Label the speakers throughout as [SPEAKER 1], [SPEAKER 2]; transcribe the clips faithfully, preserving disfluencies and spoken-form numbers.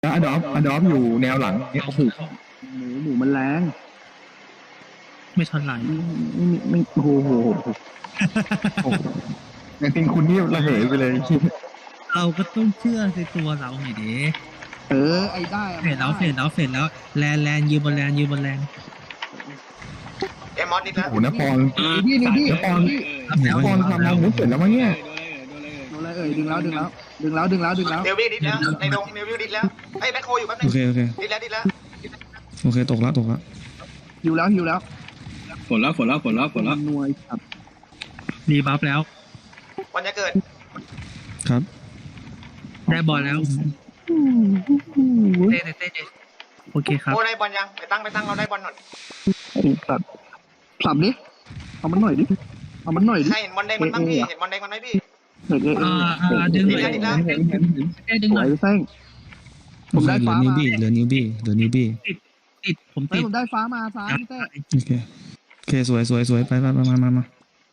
[SPEAKER 1] แล้วอดอฟอดอฟอยู่แนวหลังเนี่ยโอ้โห
[SPEAKER 2] หมูหมูมันแรง
[SPEAKER 3] ไม่ทันไหล
[SPEAKER 2] ไม่ไม่ไม่โอ้โหโหโห
[SPEAKER 1] จริงๆคุณนี่ระเหยไปเลย
[SPEAKER 3] เราก็ต้องเชื่อในตัวเราหน่อยดิ
[SPEAKER 2] เออไอ้ได้อะ
[SPEAKER 3] เฟดแล้วเฟดแล้วเฟดแล้วแลนแลนยืนบนแลนยืนบนแลน
[SPEAKER 4] เอ็มมอสนิดแล้ว
[SPEAKER 1] โอ้โหนปอน
[SPEAKER 2] นี่นี่นี่
[SPEAKER 1] นปอนนปอนทำอาวุธเสร็จแล้วมั้งเนี่ย
[SPEAKER 2] โดนอะไรเอ่ยดึงแล้วดึงแล้วดึงแล้วดึงแล้วดึงแล้ว
[SPEAKER 4] เดวิดดิดแล้วในดงเดวิดดิดแล้วไอ้แบ็คโคอยู่แป๊บนึ
[SPEAKER 5] โอง เคโอเค
[SPEAKER 4] ดิดแล้วดิดแล้ว
[SPEAKER 5] โอเคตกแล้วตกแล้ว
[SPEAKER 2] หิวแล้วหิวแล้ว
[SPEAKER 6] ฝนแล้วฝนแล้วฝนแล้วฝนแล้ว
[SPEAKER 2] หน่วยครับ
[SPEAKER 3] รีบัฟแล้ว
[SPEAKER 4] วันจะเกิด
[SPEAKER 5] ครับ
[SPEAKER 3] ได้บอลแล้วเต้เต้เต้เต้โอเคครับ
[SPEAKER 4] โอ้ได้บอลยังไปตั้งไปตั้งเราได้บอลหน่อย
[SPEAKER 2] ไอ้สัตว์สับดิเอามันหน่อยดิเอามันหน่อยดิ
[SPEAKER 4] ใช่เห็นบอลแดงมันบ้างพี่เห็นบอลแดงมันไหมพี่
[SPEAKER 2] เห็นเห็น
[SPEAKER 3] อ่าอ่าดึงหน่อย
[SPEAKER 4] ดิดแล้ว
[SPEAKER 3] เต้ดึง
[SPEAKER 2] ส
[SPEAKER 3] ห
[SPEAKER 2] ว
[SPEAKER 3] น่อย ย
[SPEAKER 2] แท่งผ
[SPEAKER 5] โอ
[SPEAKER 2] ม
[SPEAKER 5] เค
[SPEAKER 2] ได้
[SPEAKER 5] เหลือ
[SPEAKER 2] ฟ้า
[SPEAKER 5] นิว
[SPEAKER 2] มา
[SPEAKER 5] บี้เหลือนิวบี้เหลือนิวบี้
[SPEAKER 3] ติดผม
[SPEAKER 2] เฮ้
[SPEAKER 3] ติ
[SPEAKER 2] ย
[SPEAKER 3] ด
[SPEAKER 2] ผมได้ฟ้ามาซ้ายพี่เต้
[SPEAKER 5] โอเคโอเคสวยสวยสวยไปไปมามามามา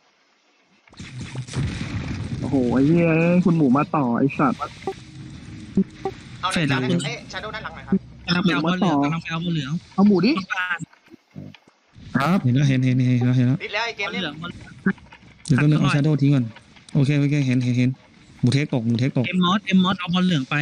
[SPEAKER 2] โอ้โหไอ้เหี้ยคุณหมูมาต่อไอ้สัตว์
[SPEAKER 4] เอาในนั้นเอ๊ะชาโดว์ด้านหลังหน่อยครับ
[SPEAKER 3] กำลังไปเอาบอลเหลืองกำลังไปเอาบอลเหลือง
[SPEAKER 2] เอาหมูดิ
[SPEAKER 3] ต้องการ
[SPEAKER 1] ครับ
[SPEAKER 5] เห็นแล้วเห็นเห็นเห็นแล้วเห็นแล้ว
[SPEAKER 4] ดิดแล้วไอ้เก
[SPEAKER 3] บอ
[SPEAKER 4] ม
[SPEAKER 3] ล
[SPEAKER 4] นี้
[SPEAKER 3] เหลืองบอล
[SPEAKER 5] เดี๋ยวต้องเอาชาโดว์ทิ้งก่อนโอเคโอเคเห็นเห็นเห็นหมูเทคตกหมูเทคตก
[SPEAKER 3] เอ็มมอสเอ็มมอสเอาบอลเหลืองไป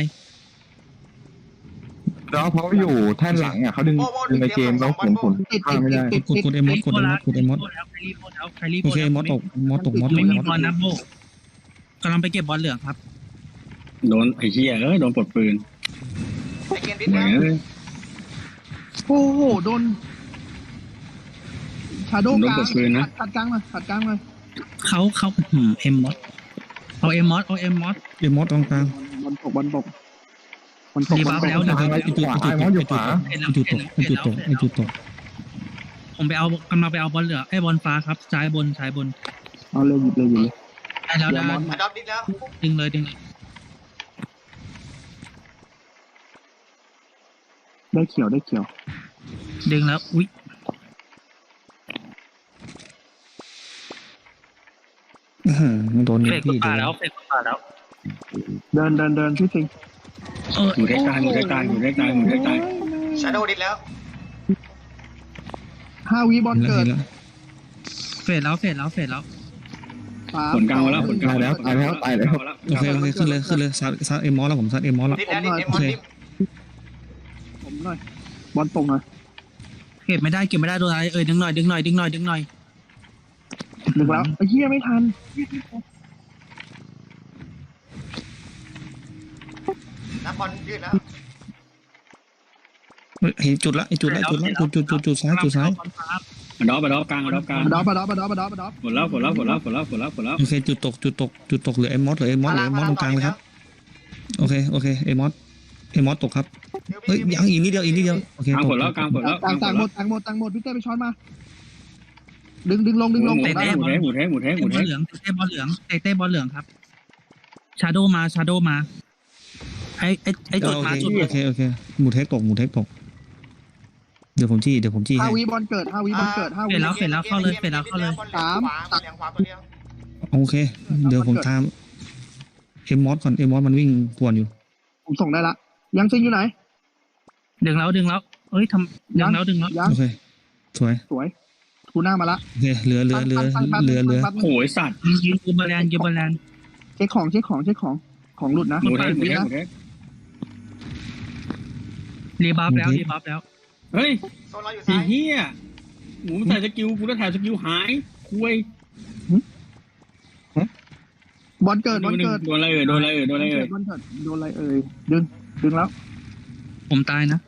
[SPEAKER 1] แล้วเขาอยู่แท่นหลังอ่ะเขาดึงดึงในเกมแล้วผลผล
[SPEAKER 2] ติด
[SPEAKER 1] ข้า
[SPEAKER 2] ติ
[SPEAKER 1] ม
[SPEAKER 2] ด
[SPEAKER 1] ไม่
[SPEAKER 2] ติ
[SPEAKER 1] ได้
[SPEAKER 2] ดติด
[SPEAKER 5] กด
[SPEAKER 2] ติด
[SPEAKER 5] กดเอ็มมอสกดเอ็มมอสกดเอ็มมอส
[SPEAKER 3] แล้วใครรีบแล้วใครรีบ
[SPEAKER 5] โอเคมอสตกมอสตกมอสต
[SPEAKER 3] ไม่
[SPEAKER 5] ก
[SPEAKER 3] มี
[SPEAKER 5] มอส
[SPEAKER 3] บอลนะโบกำลังไปเก็บบอลเหลืองครับ
[SPEAKER 6] โดนไอ้เหี้ยเอ้ยโดนปลดปืน
[SPEAKER 4] ไอ้เกมดิด
[SPEAKER 6] เหมือ
[SPEAKER 4] แล้
[SPEAKER 6] น
[SPEAKER 4] ว
[SPEAKER 6] เลย
[SPEAKER 2] โอ้โหโดนชาโด
[SPEAKER 6] ผมโด
[SPEAKER 2] ก
[SPEAKER 6] น
[SPEAKER 2] ลาง
[SPEAKER 6] ปลดปืนนะ
[SPEAKER 2] ขัดกลางมาขัดกลางมา
[SPEAKER 3] เขาเขาเอ็มมอสเอาเอ็มมอสเอาเอ็มมอส
[SPEAKER 5] เอ็มมอสตรงกลาง
[SPEAKER 2] บอลตกบอลตกบอลตก
[SPEAKER 3] รี
[SPEAKER 2] บอ
[SPEAKER 3] บั
[SPEAKER 2] ล
[SPEAKER 3] ฟ
[SPEAKER 2] ตก
[SPEAKER 3] แล้ว
[SPEAKER 5] โอเคไอจุดไอจุดไอจุดไอจุดไอจุดตกไอจุดตกไอจุดตก
[SPEAKER 3] ผมไปเอากำลังไปเอาบอลเหลืองไอ้บอลฟ้าครับซ้ายบนซ้ายบน
[SPEAKER 2] เอาเลยหยิบเลยหยิบเลย
[SPEAKER 3] ได้แล้วได้
[SPEAKER 4] อดอฟดิดแล้ว
[SPEAKER 3] ดึงเลยดึงเลย
[SPEAKER 2] ได้เขียวได้เขียว
[SPEAKER 3] ดึงแล้วอุ้ย
[SPEAKER 5] โดนนิ
[SPEAKER 3] เฟ
[SPEAKER 5] ว
[SPEAKER 3] ก
[SPEAKER 5] บี้
[SPEAKER 3] ป่า
[SPEAKER 5] เดี๋ยว
[SPEAKER 3] แล้วเฟกป่าแล้ว
[SPEAKER 2] เดินเดินเดินพี่สิง
[SPEAKER 3] เออ
[SPEAKER 6] หมูเทคตายหมูเทคตายหมูเทคตายหมูเทคตาย
[SPEAKER 4] ชาโดว์ดิดแล้ว
[SPEAKER 2] ห้าวิบอล
[SPEAKER 5] เห็นแล้ว
[SPEAKER 2] เกิด
[SPEAKER 5] เห็นแล้ว
[SPEAKER 3] เฟดแล้วเฟดแล้วเฟดแล้ว
[SPEAKER 2] สาม
[SPEAKER 6] ผลกลางมาแล้วผลกลางมาแล้ว
[SPEAKER 5] โอเคโอเคขึ้นเลยขึ้นเลยซัดซัดเอ็มมอสแล้วผมซัดเอ็มมอสแล้ว
[SPEAKER 4] ดิดแล้วดิดเอ็มมอสดิด
[SPEAKER 2] ผมหน่อยบอลตกหน่อย
[SPEAKER 3] เก็บไม่ได้เก็บไม่ได้โดนอะไรเอ้ยดึงหน่อยดึงหน่อยดึงหน่อยดึงหน่อย
[SPEAKER 2] ดึงแล้วไอ้เหี้ยไม่ทัน
[SPEAKER 4] นับบอลยืดแล้ว
[SPEAKER 5] เห็นจุดละไอจุดละจุดละจุดจุดจุดจุดซ้ายจุดซ้าย
[SPEAKER 6] มาดอปมาดอปกลางมาดอปกลาง
[SPEAKER 2] บดอปบดอปบดอปบดอปบดอป
[SPEAKER 6] ฝนแล้วฝนแล้วฝนแล้วฝนแล้วฝนแล้วฝนแล้ว
[SPEAKER 5] โอเคจุดตกจุดตกจุดตกเหลือเอ็มมอสเหลือเอ็มมอสเหลือเอ็มมอสตรงกลางเลยครับโอเคโอเคเอ็มมอสเอ็มมอสตกครับเฮ้ยยังอีกนิดเดียวอีกนิดเดียวโอเค
[SPEAKER 6] กลาง
[SPEAKER 5] ต
[SPEAKER 6] ฝ
[SPEAKER 5] ก
[SPEAKER 6] นแล้วกลางฝนแล้วก
[SPEAKER 2] ต่า
[SPEAKER 6] ลาง งฝ
[SPEAKER 2] ต่าง
[SPEAKER 6] น
[SPEAKER 2] หม
[SPEAKER 6] แล้ว
[SPEAKER 2] ดต่างหมดต่างหมดพี่เต้ไปช้อนมา ดึงดึงลงดึงลง
[SPEAKER 6] หมูเทคหมูเทคหมูเทคหมูเทคหมู
[SPEAKER 3] เต้บอล
[SPEAKER 6] เทค
[SPEAKER 3] เหลืองเต้บอลเหลืองเต้เต้บอลเหลืองครับชาโดมาชาโดมาไอ้ไอ้ไอ้จุด
[SPEAKER 5] โอ
[SPEAKER 3] มา
[SPEAKER 5] เค
[SPEAKER 3] จุด
[SPEAKER 5] โอเคโอเคหมูเทคตกหมูเทคตกเดี๋ยวผมจี้เดี๋ยวผมจี้
[SPEAKER 2] ห้า
[SPEAKER 5] ให้
[SPEAKER 2] วิบอลเกิดห้าวิบอลเกิดห้า
[SPEAKER 3] เฟ
[SPEAKER 2] วิ
[SPEAKER 3] ดแล้วเฟดแล้วเข้าเลยเฟดแล้วเข้าเลย
[SPEAKER 4] สามเหลืองขวาตัวเดียว
[SPEAKER 5] โอเค เดี๋ยวผมตามเอ็มมอสก่อนเอ็มมอสมันวิ่งกวนอยู่
[SPEAKER 2] ผมส่งได้ละยังซิงอยู่ไหน
[SPEAKER 3] ดึงแล้วดึงแล้วเอ้ยทำดึงแล้วดึงแล้ว
[SPEAKER 2] ยัง
[SPEAKER 5] โอเคสวย
[SPEAKER 2] สวยทูน่ามาละ
[SPEAKER 5] โอเคเหลือเหลือเหลือเหลือเหลือ
[SPEAKER 6] โอ้ยสัตว์
[SPEAKER 3] ยืนยืนยืนบอลแลนยืนบอลแลน
[SPEAKER 2] เช็คของเช็คของเช็คของของหลุดนะ
[SPEAKER 6] หมูเทคหมูเทคหมูเทค
[SPEAKER 3] รีบัฟแล้วรีบัฟแล้ว
[SPEAKER 6] เฮ้ย
[SPEAKER 4] โซนเราอยู่
[SPEAKER 6] ไอ้
[SPEAKER 4] ซ้าย
[SPEAKER 6] เหี้ยหมูมันใส่สกิลกูแล้วถ่ายสกิลหายคุย
[SPEAKER 2] บอลเกิดบอลเกิด
[SPEAKER 6] โดนอะไรเอ่ยโดนอะไรเอ่ยโดนอะไรเอ่ย
[SPEAKER 2] บอลเกิดโดนอะไรเอ่ยดึงดึงแล้ว
[SPEAKER 3] ผมตายนะ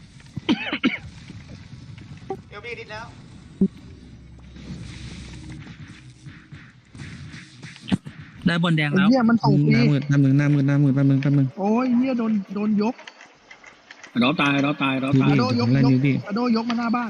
[SPEAKER 4] เอลบี้ดิดแล้ว
[SPEAKER 3] ได้บอลแดง
[SPEAKER 2] ไอ้
[SPEAKER 3] แล้ว
[SPEAKER 2] เหี้ยมันส่งฟ
[SPEAKER 5] ห
[SPEAKER 2] รี
[SPEAKER 5] น้ามืดหน้ามืดหน้ามืดหน้ามืดแป๊บนึงแป๊บนึง
[SPEAKER 2] โอ้ยเหี้ยโดนโดนยก
[SPEAKER 6] ดอปตายดอปตายดอป
[SPEAKER 5] ยู
[SPEAKER 6] ตาย
[SPEAKER 5] บี้
[SPEAKER 2] โดยก
[SPEAKER 5] ผมไล่
[SPEAKER 2] ยก
[SPEAKER 5] ยูบี้
[SPEAKER 2] อโดยกมาหน้าบ้าน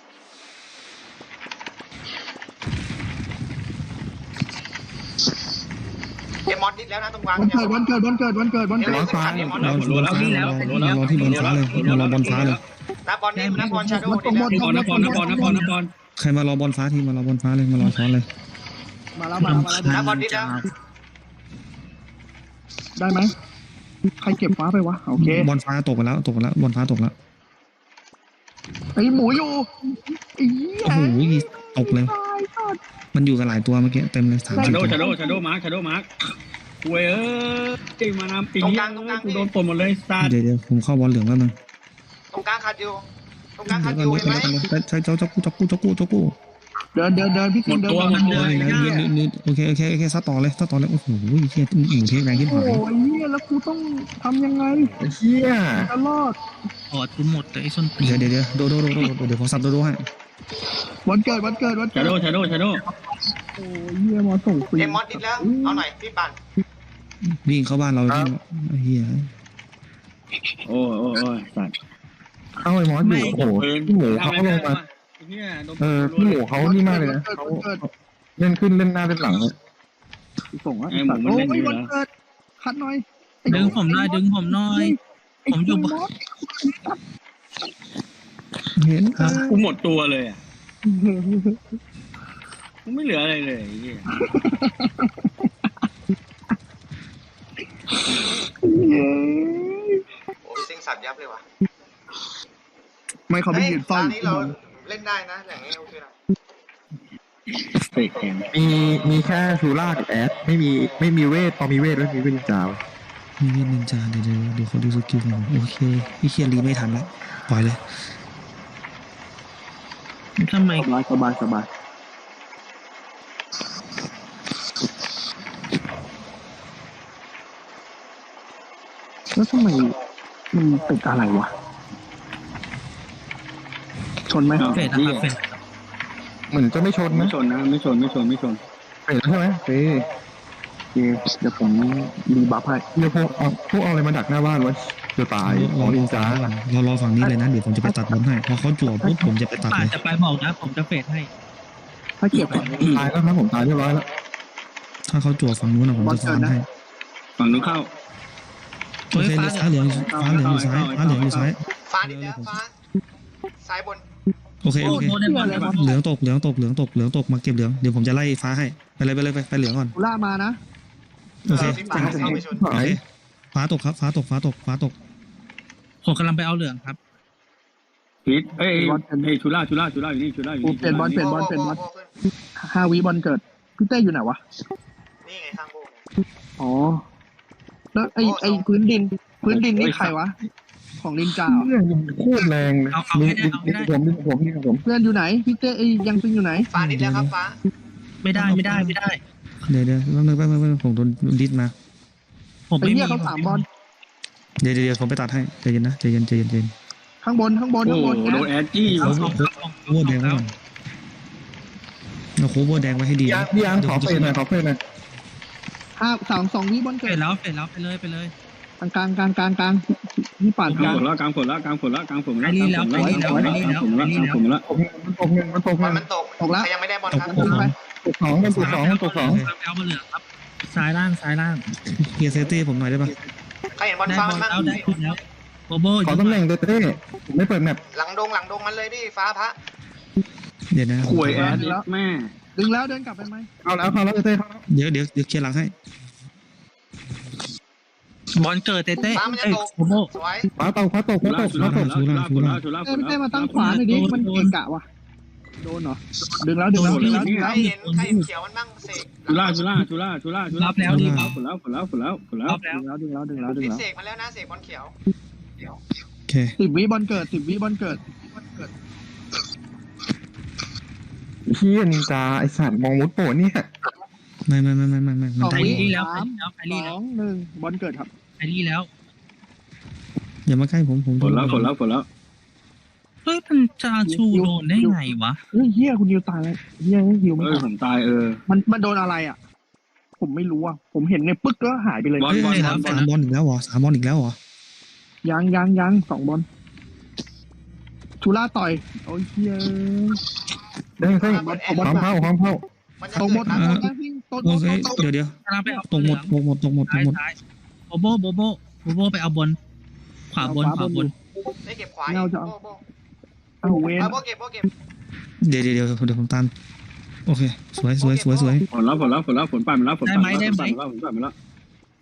[SPEAKER 4] เอ็มมอสดิดแล้วนะตรงกลาง
[SPEAKER 2] วันเกิดวันเกิดวันเกิดวันเกิดวันเกิด
[SPEAKER 5] รอฟ้าเรารอรอฟ้ารอรอที่บอลฟ้าเลยมารอบอลฟ้าเลย
[SPEAKER 4] นับบอลนี่นับบอลชาโดว์ดิด
[SPEAKER 6] น
[SPEAKER 4] แล้ว
[SPEAKER 6] ครนครนครนครนคร
[SPEAKER 5] ใครมารอบอลฟ้าทีมารอบอลฟ้าเลยมารอช้อนเลย
[SPEAKER 2] มาแล้วมาแล้วมาแล้ว
[SPEAKER 4] นับบอลดิดแล้ว
[SPEAKER 2] ได้ไหมใครเก็บฟ้าไปวะโอเค
[SPEAKER 5] บอลฟ้าตกไปแล้วตกไปแล้วบอลฟ้าตกแล้ว
[SPEAKER 2] ไอ้หมูอยู่ไอ้เหี้ย
[SPEAKER 5] โอ้โหตกเลย
[SPEAKER 2] ตายสัตว์
[SPEAKER 5] มันอยู่กันหลายตัวเมื่อกี้เต็มเลยสาม
[SPEAKER 6] ชา
[SPEAKER 5] สิบ
[SPEAKER 6] โด
[SPEAKER 5] ตัว
[SPEAKER 6] ชาโดชาโดมาร์คชาโดมาร์คคุยเอ้ยมานำปีนี้กูโดนปนหมดเลยซาด
[SPEAKER 5] เดี๋ยวเดี๋ยวผมเข้าบอลเหลืองแล้วนึง
[SPEAKER 4] ตรงกลางขาดอยู่ตรงกลางขาดอ
[SPEAKER 5] เดี๋ยว
[SPEAKER 4] ยู่
[SPEAKER 5] ก่อน
[SPEAKER 4] เห็นไหม
[SPEAKER 5] เดี๋ยวก่อนใช้เจ้าเจ้ากู้เจ้ากู้เจ้ากู้เจ้ากู้
[SPEAKER 2] เดินเดินเดินพี่
[SPEAKER 6] หม
[SPEAKER 2] สิง
[SPEAKER 6] ด
[SPEAKER 2] เดิน
[SPEAKER 6] ตัว
[SPEAKER 2] ก่อน
[SPEAKER 6] หมดตัว
[SPEAKER 5] เลยนะยืนยืนโอเคโอเคโอเคซัดต่อเลยซัดต่อเลยโอ้โหเฮียหมูเทแรงที่
[SPEAKER 2] โอ้
[SPEAKER 5] หาย
[SPEAKER 2] ยเหี้ยแล้วกูต้องทำยังไง
[SPEAKER 1] เฮีย
[SPEAKER 2] จะรอด
[SPEAKER 3] ออดกูหมดเลยไอ้ส้นตีน
[SPEAKER 5] เดี๋ยวเดี๋ยวเดี๋ยวโดโดโดโดโดเดี๋ยวผมสับโดโดให้
[SPEAKER 2] วันเกิดวันเกิดวันเกิ
[SPEAKER 6] ชา
[SPEAKER 2] ด
[SPEAKER 6] โดชาโดชาโด
[SPEAKER 2] โอ้ยเหี้ยมาส่งฟรี
[SPEAKER 4] เอ็มมอสดิดแล้วเอาหน่อยพี่ปั่น
[SPEAKER 5] วิ่งเข้าบ้านเราเฮีย
[SPEAKER 6] โอ้โอ้โอ้สัตว์
[SPEAKER 1] เข้าไอ้มอสอยู่โอ้โหพี่หมูเขาลงมาเออพี่หมูเขานี่มากเลยนะเขาเล่นขึ้นเล่นหน้าเล่นหลังเลย
[SPEAKER 2] ส่งอ่ะสัตว์โอ้ยวันเกิดคัดหน่อย
[SPEAKER 3] ดึงผมหน่อยดึงผมหน่อย ผมอยู่
[SPEAKER 2] ไอ้มอส
[SPEAKER 5] เห็นครับ
[SPEAKER 6] กูหมดตัวเลยอ่ะกูไม่เหลืออะไรเลย
[SPEAKER 2] เย้
[SPEAKER 4] โอ้ยซิงสับยับเลยว่ะ
[SPEAKER 2] ไม่เขาไม่
[SPEAKER 4] เฮ้ย
[SPEAKER 2] ยืน
[SPEAKER 4] ต
[SPEAKER 2] เฝ้า
[SPEAKER 4] อน
[SPEAKER 2] อยู่
[SPEAKER 4] นี้เราเล่นได้นะอย่างนี้โอเคนะ
[SPEAKER 6] เฟกแข็ง
[SPEAKER 1] มีมีแค่ชูล่ากับแอดไม่มีไม่มีเวทพอมีเวทแล้วมีเวทจาว
[SPEAKER 5] มีเวทนินจาเดี๋ยวเดี๋ยวเดี๋ยวเขาดูสกิลกันโอเคพี่เคียรีไม่ทันแล้วปล่อยเลย
[SPEAKER 3] ทำไม
[SPEAKER 2] สบายสบายสบายแล้วทำไมมันติดอะไรวะชนไหม
[SPEAKER 3] เฟดนะครับเฟด
[SPEAKER 1] เหมือนจะไม่ชน
[SPEAKER 6] ไม่
[SPEAKER 1] นะ
[SPEAKER 6] ชนนะไม่ชนไม่ชนไม่ชน
[SPEAKER 1] เห็นใช่ไหมเฮ้ย
[SPEAKER 2] เดี๋ยวผมรีบัฟให้
[SPEAKER 1] เดี๋ยวพวกเอาพวกเอาอะไรมาดักหน้าบ้านวะจะตายอ๋อนินจา
[SPEAKER 5] เรารอฝั่งนี้เลยนะเดี๋ยวผมจะไปตัดบอลให้พอเขาจั่วปุ๊บผมจะไปตัด
[SPEAKER 3] ป่า
[SPEAKER 5] เลย
[SPEAKER 3] จะไปบอกนะผมจะเฟดให้
[SPEAKER 2] ถ้าเก็บก่อน
[SPEAKER 1] ตายแล้วครับผมตายเรียบร้อยแล้ว
[SPEAKER 5] ถ้าเขาจั่วฝั่งนู้นนะผมจะฟาร์มให้
[SPEAKER 6] ฝั่งนู้นเข้า
[SPEAKER 5] โอเคเหลือฟ้าเหลืองฟ้าเหลืองอยู่ซ้ายฟ้าเหลืองอยู่ซ้าย
[SPEAKER 4] ฟ้าดิดแล้วฟ้าซ้ายบน
[SPEAKER 5] โอเคโอเค
[SPEAKER 3] โดนในบอลในบอล
[SPEAKER 5] เหลืองตกเหลืองตกเหลืองตกเหลืองตกมาเก็บเหลืองเดี๋ยวผมจะไล่ฟ้าให้ไปเลยไปเลยไปไปเหลืองก่อน
[SPEAKER 2] กูล่ามานะ
[SPEAKER 5] โอเค
[SPEAKER 4] พี่ปั่นเข้าไปชน
[SPEAKER 5] โอเคฟ้าตกครับฟ้าตกฟ้าตกฟ้าตก
[SPEAKER 3] ผมกำลังไปเอาเหลืองครับ
[SPEAKER 6] ฮิตเอ้ยเอ้ยชูล่าชูล่าชูล่าอยู่นี่ชูล่าอยู่นี่
[SPEAKER 2] ห้าวิบอลเกิดพี่เต้อยู่ไหนวะ
[SPEAKER 4] นี่ไงข้างโบก
[SPEAKER 2] อ๋อแล้วไอ้ไอ้พื้นดิน พื้นดินนี่ใครวะของนินจา
[SPEAKER 1] เรื่องโคตรแรงเลยดึงดึงผมดึงผมดึงผม
[SPEAKER 2] เพื่อนอยู่ไหนพี่เต้ไอ้ยังปิงอยู่ไหน
[SPEAKER 4] ฟ้าดิดแล้วครับฟ้า
[SPEAKER 3] ไม่ได้ไม่ได้ไม่ได้
[SPEAKER 5] เดี๋ยวเดี๋ยวแป๊บนึงแป๊บนึงแป๊บนึงผมโดนดิสมา
[SPEAKER 3] ผม
[SPEAKER 2] ไอ้
[SPEAKER 3] ไม่มี
[SPEAKER 2] เนี่ยเขาสามบอล
[SPEAKER 5] เดี๋ยวเดี๋ยวเดี๋ยวผมไปตัดให้ใจเย็นนะใจเย็นใจเย็นใจเย็น
[SPEAKER 2] ข้างบนข้างบน
[SPEAKER 6] โอ้
[SPEAKER 2] ข้างบน
[SPEAKER 6] โดนแอดจี้
[SPEAKER 5] โค้เวอร์แดงไว้ก่อนเราโค้เวอร์แดงไว้ให้ดี
[SPEAKER 1] ยางพี่ยางขอเฟรนหน่อยขอเฟรนหน่อย
[SPEAKER 2] ห้าสามสองวิบอล
[SPEAKER 3] เฟ
[SPEAKER 2] เกิ
[SPEAKER 3] ด
[SPEAKER 2] ด
[SPEAKER 3] แล้วเฟดแล้วไปเลยไปเลย
[SPEAKER 2] กลางกลางกลางกลางกลางนี่ป่าน
[SPEAKER 6] ก
[SPEAKER 2] ก
[SPEAKER 6] ลา
[SPEAKER 2] ลาง ง
[SPEAKER 6] ฝนแล้วกลางฝนแล้วกลางฝนแล้วกลางฝนแล้วกลางฝนแล้วกลางฝนแล้วกลางฝนแล้ว
[SPEAKER 1] ผมมันตกเงินมันตก
[SPEAKER 4] มัน
[SPEAKER 1] เงิน
[SPEAKER 4] มันตกใครยังไม่ได้บอลครับ
[SPEAKER 2] ยิงไป
[SPEAKER 1] ตกสองมันตกสองมันตกสอง
[SPEAKER 3] ไปเอามาเหลืองครับซ้ายล่างซ้ายล่าง
[SPEAKER 5] เฮียเซฟตี้ผมหน่อยได้ปะ
[SPEAKER 4] ใครเห็นบอล
[SPEAKER 3] ได้
[SPEAKER 4] ฟ้า
[SPEAKER 3] บ
[SPEAKER 4] มั
[SPEAKER 3] อน ล
[SPEAKER 4] บ้าง
[SPEAKER 3] แล้วได้ขึ้นแล้วโบโบ
[SPEAKER 1] ขอตำแหน่งเต้เต้ผมไม่เปิดแมป
[SPEAKER 4] หลังดงหลังดงมันเลยดิฟ้าพระ
[SPEAKER 5] เดี๋ยวนะ
[SPEAKER 6] คุยแอดแม่
[SPEAKER 2] ดึงแล้วเดินกลับไปไหม
[SPEAKER 1] เอาแล้วเอาแล้วเต้เต้เข้าแล้ว
[SPEAKER 5] เดี๋ยวเดี๋ยวเดี๋ยวเคลียร์หลังให้
[SPEAKER 3] บอลเกิดเต้เต้
[SPEAKER 4] ฟ้ามันจะ
[SPEAKER 3] เอ้ย
[SPEAKER 4] ตก
[SPEAKER 3] โบโบ
[SPEAKER 4] สวย
[SPEAKER 1] ฟ้าตกฟ้าตก
[SPEAKER 6] ชู
[SPEAKER 1] ฟ้า
[SPEAKER 6] ล่า
[SPEAKER 1] ตก
[SPEAKER 6] ชู
[SPEAKER 1] ฟ้า
[SPEAKER 6] ล่า
[SPEAKER 1] ตก
[SPEAKER 6] ชูล่าชูล่าชูล่า
[SPEAKER 2] เอ้ยพี่เต้มาตั้งขวาหน่อยดิมันเกะกะว่ะโดนเหรอดึงแล้วดึงแล้วดึงแล้วดึง
[SPEAKER 4] ใค
[SPEAKER 2] แล้
[SPEAKER 4] ร
[SPEAKER 2] ว
[SPEAKER 4] เห็นใครเห็นเขียวมันบ้างเสก
[SPEAKER 6] ชูล่าชูล่าชูล่าชูล่าชูล่าฝนแล้วฝนแล้วฝนแล้วฝนแล้ว
[SPEAKER 3] รอบแล้ว
[SPEAKER 2] ดึงแล้วดึงแล้วดึงแล้วดึง
[SPEAKER 4] พี่
[SPEAKER 2] แล้ว
[SPEAKER 4] เสกมาแล้วนะเสกบอลเขียว
[SPEAKER 5] โอเค
[SPEAKER 2] สิบวิบอลเกิดสิบวิบอลเกิด
[SPEAKER 1] เฮียนินจาไอสัตว์มองมุดโปเนี่ย
[SPEAKER 5] ไม่ไม่ไม่ไม่ไม่ไม่มัน
[SPEAKER 3] ไป
[SPEAKER 5] ได้
[SPEAKER 3] รีแล้วไป
[SPEAKER 2] สาม
[SPEAKER 3] รีแล้วไป
[SPEAKER 2] ส
[SPEAKER 3] รี
[SPEAKER 2] อ
[SPEAKER 3] แล้ว
[SPEAKER 2] งหนึ่งบอลเกิดครับ
[SPEAKER 3] ไปรีแล้ว
[SPEAKER 5] อย่ามาใกล้ผมผม
[SPEAKER 6] ฝนแล้วฝนแล้วฝนแล้ว
[SPEAKER 3] เฮ้ยมันจะชูโดนได้ไงวะ
[SPEAKER 2] เฮ้ยเฮียคุณยิวตายแล้วเฮียยิวไม่
[SPEAKER 6] เออ
[SPEAKER 2] ตาย
[SPEAKER 6] ผมตายเออ
[SPEAKER 2] มันมันโดนอะไรอ่ะ ผมไม่รู้อ่ะผมเห็นในปึ๊กแล้วหายไปเลย
[SPEAKER 6] บอล
[SPEAKER 5] เฮ้ย
[SPEAKER 6] บอล
[SPEAKER 5] สามสามบอลอีกแล้วเหรอสามบอลอีกแล้วเหรอ
[SPEAKER 2] ยังยังยังสองบอลชูล่าต่อยโอ้ยเฮีย
[SPEAKER 1] ได้เต้ความเข้าความเข้า
[SPEAKER 4] มันจะ
[SPEAKER 2] ตรงหม
[SPEAKER 4] เกิ
[SPEAKER 2] ด
[SPEAKER 4] ด
[SPEAKER 2] ต
[SPEAKER 4] นะ
[SPEAKER 2] รงหมดนะพี่ตรงห
[SPEAKER 5] โอ
[SPEAKER 2] มด
[SPEAKER 5] เค
[SPEAKER 2] ตรง
[SPEAKER 5] เดี๋ยวเดี๋ยว
[SPEAKER 3] กำลังไปเอา
[SPEAKER 5] ตกหมดตกหมดตกหมดต
[SPEAKER 3] ซ้าก ย
[SPEAKER 5] หมด
[SPEAKER 3] ซ้ายโบโบโบโบโบโบไปเอาบน ขวาบนขวาบน
[SPEAKER 4] ได้เก็บขวาโบโบ
[SPEAKER 2] เอาเวน
[SPEAKER 4] โบเก็บโบเก็บ
[SPEAKER 5] เดี๋ยวเดี๋ยวเดี๋ยวเดี๋ยวผมตามโอเคสวยสวยสวยสวย
[SPEAKER 6] ฝนแล้วฝนแล้วฝนแล้วฝนปั่นมาแล้วฝนปั่นมาแล้วฝนปั่นมาแล้ว
[SPEAKER 5] โ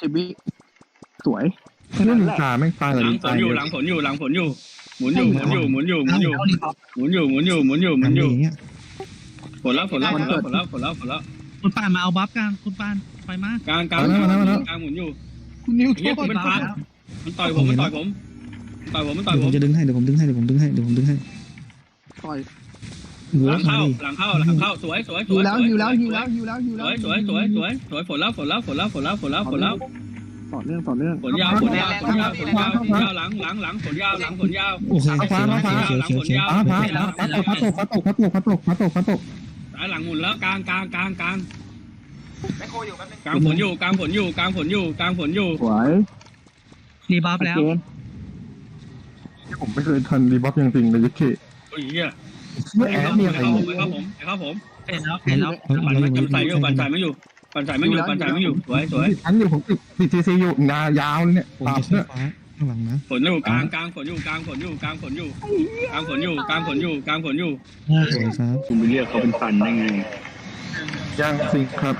[SPEAKER 2] สิบวิสวยแค่
[SPEAKER 1] เล่
[SPEAKER 2] นั้น น
[SPEAKER 1] นิ
[SPEAKER 2] แห
[SPEAKER 1] น
[SPEAKER 2] ละ
[SPEAKER 1] จาแม่งตาย
[SPEAKER 6] ห
[SPEAKER 1] เล
[SPEAKER 6] ลั
[SPEAKER 1] ย
[SPEAKER 6] งฝนอยู่หลังฝนอยู่หลังฝนอยู่หมุนอยู่หมุนอยู่หมุนอยู่หมุนอยู่หมุนอยู่หมุนอยู่หมุนอยู่หมุนอยู่หมุนอยู่
[SPEAKER 5] อย่างเงี้ย
[SPEAKER 6] ฝนแล้วฝนแล้วฝนแล้วฝนแล้วฝนแล้วฝนแล้ว
[SPEAKER 3] คุณป่านมาเอาบัฟกลางคุณป่านไปมาก
[SPEAKER 6] ลางกลางกลางหมุนอยู่
[SPEAKER 2] คุณนิวโท
[SPEAKER 6] เฮีย
[SPEAKER 2] ษ
[SPEAKER 6] ผมเป็นพันมันต่อยผมมันต่อยผมต่อยผมมันต่อย
[SPEAKER 5] เดี๋ยว
[SPEAKER 6] ผ
[SPEAKER 5] ผม มจะดึงให้เดี๋ยวผมดึงให้เดี๋ยวผมดึงให้เดี๋ยวผมดึงให้
[SPEAKER 2] ต่อย
[SPEAKER 5] หัว
[SPEAKER 6] หลัง
[SPEAKER 5] มา
[SPEAKER 6] เข้า
[SPEAKER 5] ดิ
[SPEAKER 6] หลังเข้าหลังเข้าสวยสวยส
[SPEAKER 2] หิ
[SPEAKER 6] ว
[SPEAKER 2] วย แล้วหิวแล้วหิวแล้วหิวแล้วหิว
[SPEAKER 6] ส
[SPEAKER 2] แล้ว
[SPEAKER 6] วยสวยสวยสวยสวยฝนแล้วฝนแล้วฝนแล้วฝนแล้วฝนแล้วฝนแล้ว
[SPEAKER 2] ต่อเนื่องต่อเนื่อง
[SPEAKER 6] ฝนยาวฝนยาวฝนยาวฝนยาวฝนยาวหลังหลังหลังฝนยาวหลังฝนยาว
[SPEAKER 5] โอเค
[SPEAKER 1] ฟ้า
[SPEAKER 5] เขียว
[SPEAKER 1] ฟ้า
[SPEAKER 5] เขียวเขียวเขียว
[SPEAKER 1] ฟ้าฟ้าฟ้าฟ้าตกฟ้าตกฟ้าตกฟ้าตกฟ้าตกฟ้าตกฟ้าตก
[SPEAKER 6] สายหลังหมุนแล้วกลางกลางกลางกลาง
[SPEAKER 4] แม่โคอยู่แป๊บนึง
[SPEAKER 6] กลางฝนอยู่กลางฝนอยู่กลางฝนอยู่กลางฝนอยู่
[SPEAKER 2] สวย
[SPEAKER 3] รีบัฟแล้ว
[SPEAKER 2] เกณฑ์
[SPEAKER 1] ผมไม่เคยทันรีบัฟอย่างจริงเลยยักษ์
[SPEAKER 6] โอ้ยเฮีย
[SPEAKER 1] ไม่แอดเนี่ยอะไร
[SPEAKER 6] เข้าผม
[SPEAKER 1] เนี่ย
[SPEAKER 6] เข้าผมเข้าผม
[SPEAKER 3] เสร็จแล้วเสร็จแล้ว
[SPEAKER 6] ปั่นไม่ปั่นใส่อยู่ปั่นใส่ไม่อยู่ปั่นใส่ไม่อยู่ปั่นใส่ไม่อยู่สวยสวย
[SPEAKER 1] ทันอยู่ผมติดติดทีซีอยู่ยายาวเลยเนี่ย
[SPEAKER 5] ผม
[SPEAKER 1] ตาม
[SPEAKER 5] จะขึ้น
[SPEAKER 1] เนี่ย
[SPEAKER 5] ฟ้าข้างหลังนะ
[SPEAKER 6] ฝนอยู่กลางกลางฝนอยู่กลางฝนอยู่กลางฝนอยู่กลางฝนอยู่กลางฝนอยู่กลางฝนอยู่
[SPEAKER 5] สวยครับ
[SPEAKER 6] คุณไปเรียกเขาเป็นฟันได้ไง
[SPEAKER 1] ย่างสิครับ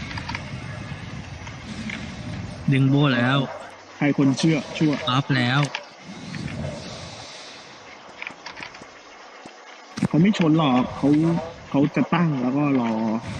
[SPEAKER 3] ดึงโบแล้ว
[SPEAKER 2] ใครคนเชื่อชั่ว
[SPEAKER 3] บัฟแล้ว
[SPEAKER 2] เขาไม่ชนหรอกเขาเขาจะตั้งแล้วก็รอ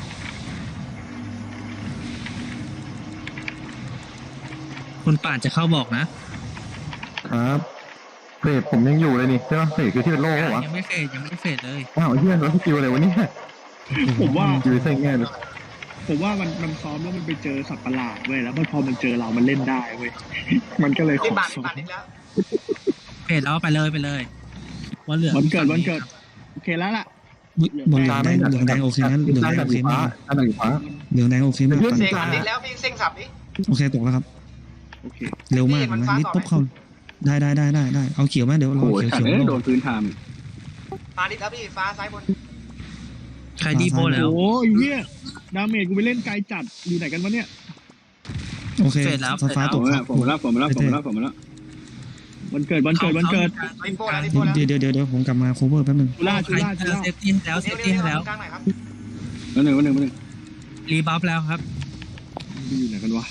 [SPEAKER 3] คุณป่านจะเข้าบอกนะครับ
[SPEAKER 1] เฟรดผมยังอยู่เลยนี่ใช่ไหมเฟรดคือที่เป็นโล่วะ
[SPEAKER 3] ยังไม่เสร็จยังไม่เสร็จเลย
[SPEAKER 1] อ้าวเฮียแล้วสกิลอะไรวะเนี่ย
[SPEAKER 2] ผมว่า
[SPEAKER 1] อยู่ในเส้นแง่เลย
[SPEAKER 2] ผมว่ามันมันซ้อมแล้วมันไปเจอสัตว์ประหลาดเว้ยแล้วพอมันเจอเรามันเล่นได้เว้ยมันก็เลยข
[SPEAKER 4] ที่
[SPEAKER 2] อ
[SPEAKER 4] บัตร
[SPEAKER 2] ซ้อม
[SPEAKER 4] บัตรอีกแล้ว
[SPEAKER 3] เสร็จแล้วไปเลยไปเลยวันเหลือง
[SPEAKER 2] วันเกิดวันเกิดโอเคแล้วล่ะ
[SPEAKER 5] อุ๊ยบนเหลืองแดงเหลืองแดงโอเคนะเหลืองแดง
[SPEAKER 1] ด้าน
[SPEAKER 5] โอเค
[SPEAKER 1] สีฟ้าม
[SPEAKER 5] าก
[SPEAKER 1] ด้านสีฟ้า
[SPEAKER 5] เหลืองแดงโอเคมาก
[SPEAKER 4] เซ็งมันนิดแล้วพี่เซ็งสับดิ
[SPEAKER 5] โอเคตกแล้วครับ
[SPEAKER 2] โอเค
[SPEAKER 5] เร็วมากนะนิดปุ๊บเข้าได้ได้ได้ได้ได้เอาเขียวไหมเดี๋ยวเรา
[SPEAKER 6] โอ้ย
[SPEAKER 5] เขียว
[SPEAKER 6] ขัด
[SPEAKER 5] เขียว
[SPEAKER 6] เอ้ยโดนพื้นทาม
[SPEAKER 4] ฟ้าดิดแล้วพี่ฟ้าซ้ายบน
[SPEAKER 3] ใครดีโบแล้ว
[SPEAKER 2] โอ้ยเหี้ยดาเมจกูไปเล่นไกลจัดอยู่ไหนกันวะเนี่ย
[SPEAKER 5] โอเคฟ้าต
[SPEAKER 6] ผม
[SPEAKER 5] ก
[SPEAKER 6] มา
[SPEAKER 5] ครับ
[SPEAKER 6] ผมมาแล้วผมมาแล้วผมมาแล้วผมมาแล้ว
[SPEAKER 2] วันเกิดวันเกิดวันเกิด
[SPEAKER 4] รีบโบแล้วรีบโบแล้ว
[SPEAKER 5] เดี๋ยวเดี๋ยวเดี๋ยวเดี๋ยวผมกลับมา cover แป๊บนึง
[SPEAKER 2] ชูล่าชูล่าชูล่า
[SPEAKER 3] เซฟตี้แล้วเซ
[SPEAKER 4] นิ้ว
[SPEAKER 3] ฟ
[SPEAKER 4] นิ้
[SPEAKER 3] ตี้
[SPEAKER 4] ว
[SPEAKER 3] แล้ว
[SPEAKER 4] กลางหน่อยครับ
[SPEAKER 6] วันหนึ่งวันหนึ่งวันหนึ่ง
[SPEAKER 3] รีบัฟแล้วครับ
[SPEAKER 2] อยู่ไหนกันวะ